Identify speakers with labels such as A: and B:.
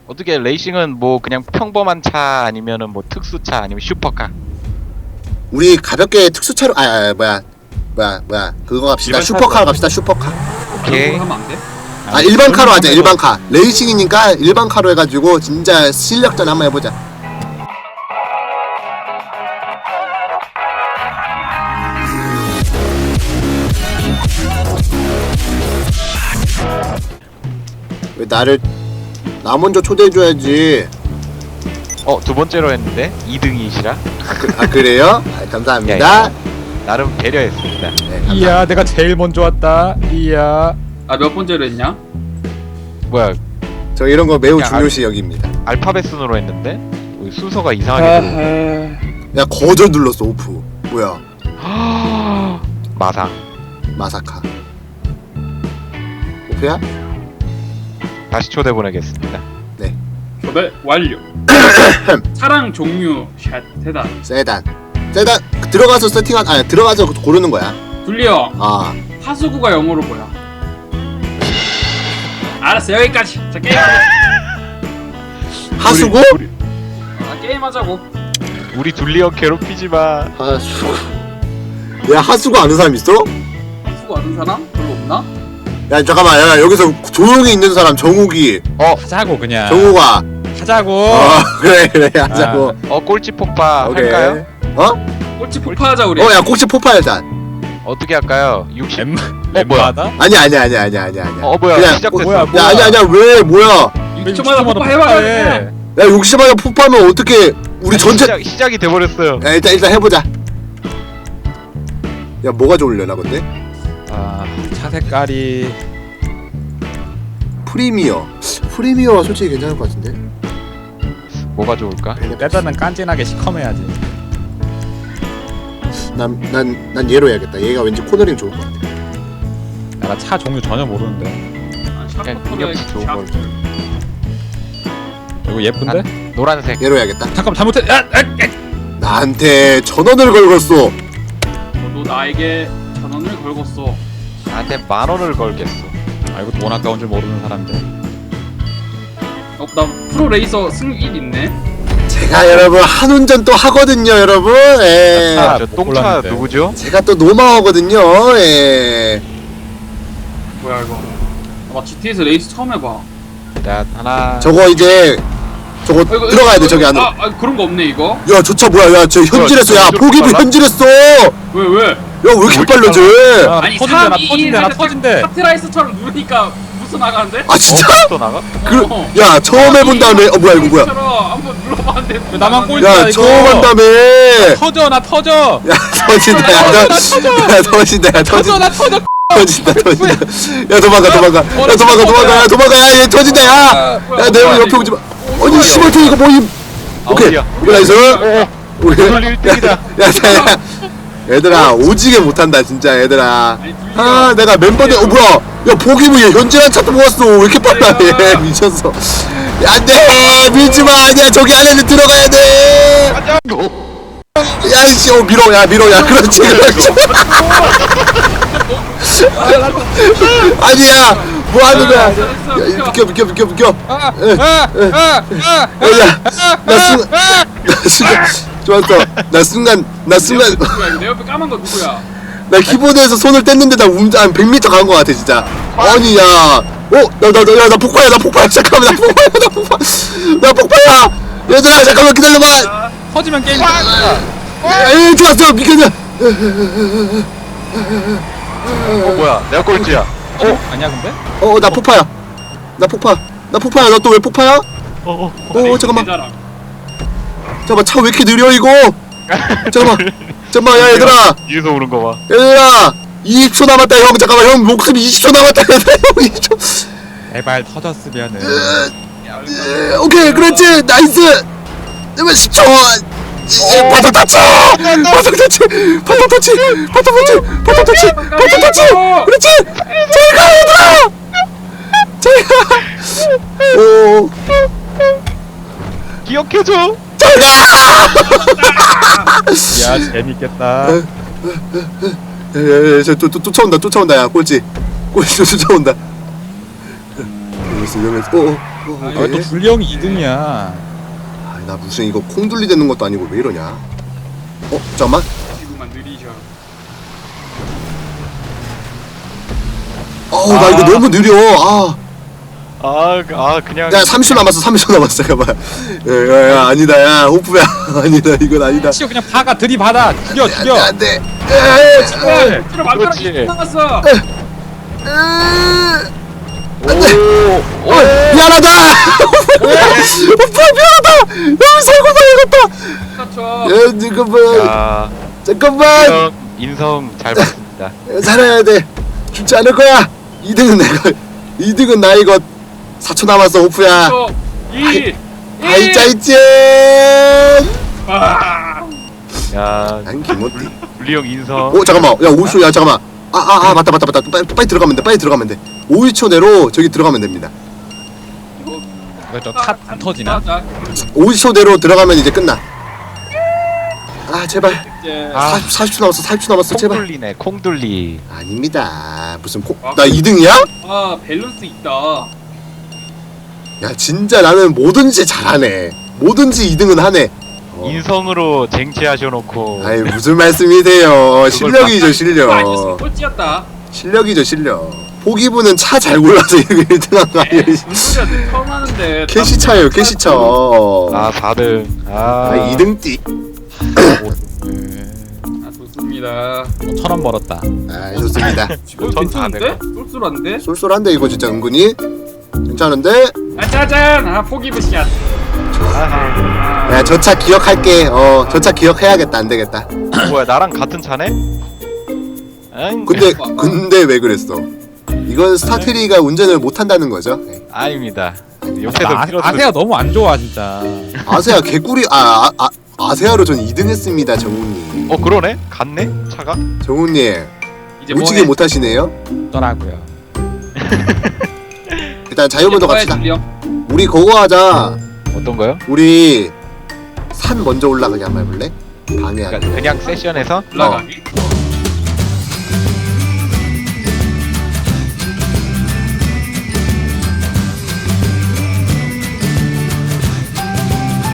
A: 어떻게 레이싱은 뭐 그냥 평범한 차 아니면은 뭐 특수차 아니면 슈퍼카?
B: 우리 가볍게 특수차로 뭐야 그거 갑시다.
C: 일반
B: 슈퍼카로
C: 차로
B: 갑시다. 슈퍼카.
A: 오케이.
C: 하면 안 돼?
B: 일반 카로 하자. 일반 카. 레이싱이니까 일반 카로 해가지고 진짜 실력전 한번 해보자. 왜 나 먼저 초대해줘야지.
A: 두 번째로 했는데 2등이시라?
B: 그래요? 감사합니다.
A: 나름 배려했습니다.
B: 네, 감사합니다.
D: 이야, 내가 제일 먼저 왔다. 이야.
C: 아 몇 번째로 했냐?
A: 뭐야,
B: 저 이런 거 매우
A: 그냥
B: 중요시 여깁니다.
A: 알파벳 순으로 했는데 순서가 이상하게 들어.
B: 야 거절 눌렀어. 오프. 뭐야?
A: 마상.
B: 마사카. 오프야?
A: 다시 초대 보내겠습니다.
C: 초대 완료. 차량 종류 샷 세단.
B: 세단 들어가서 들어가서 고르는 거야.
C: 둘리 형 하수구가 영어로 뭐야? 알았어 여기까지. 자 게임.
B: 하수구?
C: 게임하자고.
A: 우리 둘리형 괴롭히지 마.
B: 하수구. 야 하수구 아는 사람 있어?
C: 하수구 아는 사람 별로 없나?
B: 야 잠깐만. 야 여기서 조용히 있는 사람 정욱이.
D: 하자고 그냥.
B: 정욱아.
D: 하자고.
B: 그래 하자고.
A: 꼴찌 폭파
B: 오케이.
A: 할까요?
C: 꼴찌 폭파하자 우리.
B: 야 꼭지 폭파 일단.
A: 어떻게 할까요? 60. 뭐야?
D: 엠마다?
B: 아니야.
A: 뭐야?
B: 그냥
A: 시작됐어.
D: 뭐야?
B: 야 아니야 왜 뭐야?
C: 6초마다 폭파해봐.
B: 야 60만원 폭파하면 어떻게 우리 전체.
A: 시작이 돼버렸어요.
B: 야 일단 해보자. 야 뭐가 좋으려나 근데?
D: 차 색깔이
B: 프리미어가 솔직히 괜찮을 것 같은데.
A: 뭐가 좋을까?
D: 때다는 깐진하게 시커매야지.
B: 난 얘로 해야겠다. 얘가 왠지 코너링 좋을 것 같아.
D: 나 차 종류 전혀 모르는데.
A: 그냥 능력치 좋은 걸.
D: 이거 예쁜데?
A: 노란색.
B: 얘로 해야겠다.
D: 잠깐만 잘못했.
B: 나한테 1,000원을 걸었어.
C: 너도 나에게 1,000원을 걸었어.
A: 나한테 10,000원을 걸겠어.
D: 이거 돈 아까운 줄 모르는 사람들.
C: 나 프로 레이서 승 1 있네.
B: 제가 여러분 한운전 또 하거든요, 여러분. 예.
A: 저
D: 못
A: 똥차
D: 골랐는데.
A: 누구죠?
B: 제가 또 노마어거든요. 예.
C: 뭐야 이거? 나 GT에서 레이스 처음 해봐.
A: 자, 하나.
B: 저거 이제 저거
C: 이거,
B: 들어가야 돼
C: 이거,
B: 저기 안으로.
C: 그런 거 없네 이거.
B: 야, 저 차 뭐야? 야, 저 현질했어. 야, 보기부 현질했어. 야,
C: 왜 왜?
B: 왜 이렇게 빨라져?
C: 아니
D: 터진대 나 터진대.
C: 카트라이스처럼 누르니까 부스 나가는데?
B: 아, 진짜?
A: 또 나가?
B: 야, 처음 해본 다음에 뭐야 이거 뭐야?
C: 한번 눌러봤는데
D: 왜 나만 꼴찌-
B: 야,
D: 이거.
B: 처음 한 다음에.
D: 터져 나 터져.
B: 야, 터진다. 야, 터진다. 야,
D: 터져 나 터져.
B: 터진다. 야, 도망가. 야, 도망가. 야, 얘 터진다. 야, 내 옆에 오지 마. 아니, 씨발, 이거 뭐임? 오케이.
A: 어디야?
B: 이거 나이스. 오케이.
A: 오늘 1등이다.
B: 야, 얘들아, 오지게 못한다, 진짜, 얘들아. 내가 멤버들, 뭐야. 야, 보기부 얘 현질한 차도 모았어. 왜 이렇게 빨라, 얘. 미쳤어. 야, 안 돼. 밀지 마. 아니야, 저기 안에는 들어가야 돼. 야, 이씨, 밀어. 야, 그렇지. 아니야, 뭐 하는 거야. 야, 비켜. 나 순간, 좋았어. 나 순간.
C: 누구야? 내 옆에 까만 거 누구야?
B: 나 키보드에서 손을 뗐는데 나 한 100m 간 거 같아, 진짜. 아니, 야. 나 폭파야. 잠깐만, 나 폭파야. 얘들아, 잠깐만 기다려봐.
D: 터지면 게임.
B: 에이, 좋았어. 비켜줘.
A: 뭐야? 내가 꼴찌야.
D: 아니야 근데?
B: 나 폭파야. 나 너 또 왜 폭파야? 잠깐만.
C: 대자랑.
B: 잠깐만, 차 왜 이렇게 느려, 이거? 잠깐만, 야, 얘들아.
A: 뒤에서 오는 거 봐.
B: 얘들아. 20초 남았다, 형. 잠깐만, 형 목숨 20초 남았다, 얘들아. 형 20초.
D: 제발 터졌으면은.
B: 오케이, 그렇지. 나이스. 10초. 바닥 터치. 그렇지. 잘가, 얘들아. 오.
A: 기억해줘.
D: 야 재밌겠다.
B: 저 쫓아온다. 야, 꼴찌 쫓아온다. 여기서.
D: 왜 또 둘리 형이 2등이야?
B: 아, 나 무슨 이거 콩둘리 되는 것도 아니고 왜 이러냐? 잠깐만.
C: 지금만 느리셔.
B: 나 이거 너무 느려.
A: 그냥
B: 야 30초 남았어. 30초 남았어. 잠깐만. 야, 아니다. 야 호프야. 아니다. 이건 아니다.
D: 치고 그냥 파가 들이받아. 죽여.
B: 안돼.
C: 들어 말가락
A: 그렇지.
C: 20분 남았어.
B: 미안하다. 호프야 미안하다. 너무 살고 나야겠다.
C: 그렇죠.
B: 잠깐만.
A: 인성 잘 봤습니다.
B: 살아야 돼. 죽지 않을 거야. 2등은 내가. 2등은 나 이거 4초 남았어 호프야.
C: 2
B: 아이 짜이찐.
A: 야,
B: 난 김호띠.
A: 둘리 형 인성.
B: 잠깐만. 야 50초. 야 잠깐만. 맞다. 빨리 들어가면 돼. 5초 내로 저기 들어가면 됩니다.
D: 왜저탑안 터지나?
B: 50초 내로 들어가면 이제 끝나. 제발.
C: 이제
B: 40초 남았어. 제발.
A: 콩둘리네, 콩둘리.
B: 아닙니다. 무슨 나 2등이야?
C: 밸런스 있다.
B: 야 진짜 나는 뭐든지 잘하네. 뭐든지 2등은 하네.
A: 인성으로 쟁취하셔놓고.
B: 아이 무슨 말씀이세요. 실력이죠 실력.
C: 아니었으면 꼴찌였다.
B: 실력이죠 실력. 포기부는 차 잘 골라서 이렇게 1등한 거 아니에요.
C: 무슨 소리야? 처음 하는데.
B: 캐시차예요 캐시차.
A: 4등.
B: 2등띠.
C: 좋습니다.
D: 1,000원 벌었다.
B: 좋습니다.
C: 지금 괜찮은데? 쏠쏠한데?
B: 쏠쏠한데 이거 진짜 은근히 괜찮은데.
C: 짜잔! 포기부 샷.
B: 야 저 차 기억할게. 저 차 기억해야겠다. 안 되겠다.
A: 뭐야, 나랑 같은 차네? 응?
B: 근데 왜 그랬어? 이건 스타트리가 운전을 못한다는 거죠.
A: 아닙니다. 옆에서 밀어서
D: 아세야 너무 안 좋아 진짜.
B: 아세아 개꿀이 아세아로 전 2등 했습니다 정훈님.
A: 그러네? 갔네? 차가?
B: 정훈님
C: 이제
B: 오지게 못하시네요.
D: 더라고요.
B: 일단 자유분도 갑시다. 우리 그거 하자.
A: 어떤 거요?
B: 우리 산 먼저 올라가게 한번 해볼래? 방해하게.
A: 그냥 세션에서?
C: 올라가기?